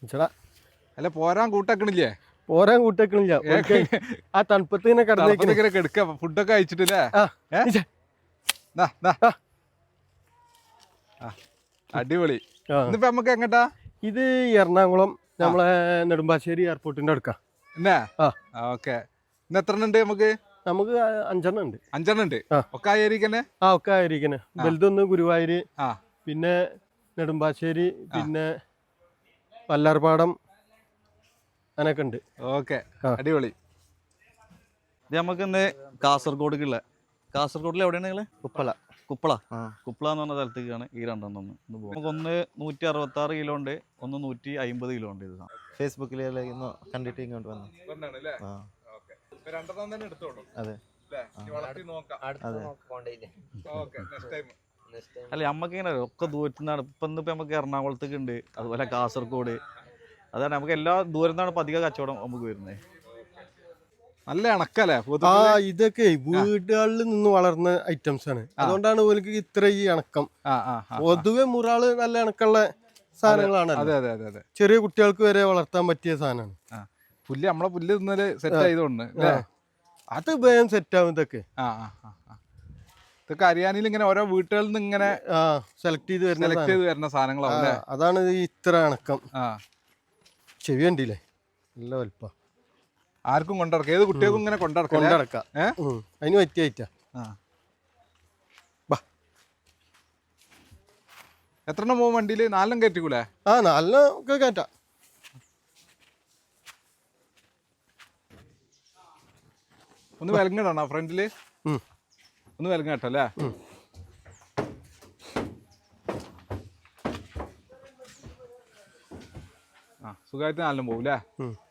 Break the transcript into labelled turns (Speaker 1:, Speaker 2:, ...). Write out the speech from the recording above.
Speaker 1: ചേടാ
Speaker 2: അല്ല പോരാൻ കൂട്ടാക്കണില്ലേ?
Speaker 1: പോരാൻ കൂട്ടേക്കണില്ല. ആ തണുപ്പത്ത് ഇങ്ങനെ
Speaker 2: കിടന്നിങ്ങനെ കിടക്ക ഫുഡൊക്കെ കഴിച്ചിട്ടില്ലേ? അടിപൊളി. ഇന്നിപ്പോ നമുക്ക് എങ്ങട്ടാ?
Speaker 1: ഇത് എറണാകുളം നമ്മളെ നെടുമ്പാശ്ശേരി എയർപോർട്ടിന്റെ അടുക്കാം.
Speaker 2: എന്നാ ഓക്കെ. ഇന്ന് എത്ര ഉണ്ട്? നമുക്ക്
Speaker 1: 5 ഉണ്ട്.
Speaker 2: 5 ഉണ്ട്. ഒക്കെ ആയിരിക്കന്നെ?
Speaker 1: ഒക്കെ ആയിരിക്കണേ. വലുതൊന്ന് ഗുരുവായൂര്, പിന്നെ നെടുമ്പാശ്ശേരി, പിന്നെ വല്ലാർപാടം, അങ്ങനൊക്കെ ഉണ്ട്.
Speaker 2: ഓക്കെ, അടിപൊളി.
Speaker 3: ഇത് നമുക്ക് ഇന്ന് കാസർഗോഡിലുള്ള, കാസർഗോഡിൽ എവിടെയാണ് നിങ്ങള്? കുപ്പള എന്ന് പറഞ്ഞ സ്ഥലത്തേക്കാണ് ഈ രണ്ടെണ്ണം നമുക്ക്. ഒന്ന് 166 കിലോ ഉണ്ട്, ഒന്ന് 150 കിലോ ഉണ്ട്. ഇത്
Speaker 4: ഫേസ്ബുക്കിൽ കണ്ടിട്ട് ഇങ്ങോട്ട് വന്നു. അതെ
Speaker 3: അല്ല, നമ്മക്ക് ഇങ്ങനെ ഒക്കെ ദൂരത്തു നിന്നാണ്. ഇപ്പൊ നമുക്ക് എറണാകുളത്തേക്ക് ഉണ്ട്, അതുപോലെ കാസർഗോഡ്. അതാണ് നമുക്ക് എല്ലാ ദൂരത്തു നിന്നാണ് അധികം കച്ചവടം നമുക്ക് വരുന്നത്.
Speaker 2: നല്ല ഇണക്കല്ലേ?
Speaker 1: ഇതൊക്കെ വീടുകളിൽ നിന്ന് വളർന്ന ഐറ്റംസ് ആണ്, അതുകൊണ്ടാണ് ഓർക്ക് ഇത്ര ഈ ഇണക്കം. പൊതുവെ മുറാള് നല്ല ഇണക്കുള്ള സാധനങ്ങളാണ്. ചെറിയ കുട്ടികൾക്ക് വരെ വളർത്താൻ പറ്റിയ സാധനമാണ്.
Speaker 2: പുല്ല് നമ്മളെ പുല്ല് തിന്നല് സെറ്റ് ആയതുകൊണ്ട്
Speaker 1: അത് വേഗം സെറ്റ് ആവും. ഇതൊക്കെ
Speaker 2: ഇതൊക്കെ ഹരിയാനയിൽ ഇങ്ങനെ ഓരോ വീട്ടുകളിൽ നിന്ന് ഇങ്ങനെ
Speaker 1: സെലക്ട് ചെയ്ത്
Speaker 2: വരുന്ന സാധനങ്ങളാണ്.
Speaker 1: അതാണ് ഇത്ര ഇണക്കം. ചെവി കണ്ടില്ലേ, നല്ല വലുപ്പ.
Speaker 2: ആർക്കും കൊണ്ടിറക്കാം, ഏത് കുട്ടികൾക്കും ഇങ്ങനെ
Speaker 1: കൊണ്ടിറക്കാം. അതിന് പറ്റിയ ഐറ്റാ.
Speaker 2: എത്രണ്ണം പോകും വണ്ടിയില്? 4 കയറ്റിക്കൂലേ?
Speaker 1: 4 ഒക്കെ കയറ്റാം.
Speaker 2: ഒന്ന് വിലങ്ങിടണോ ഫ്രണ്ടില്? ഒന്ന് വിലങ്ങട്ടല്ലേ? സുഖമായിട്ട് 4 പോകും അല്ലേ?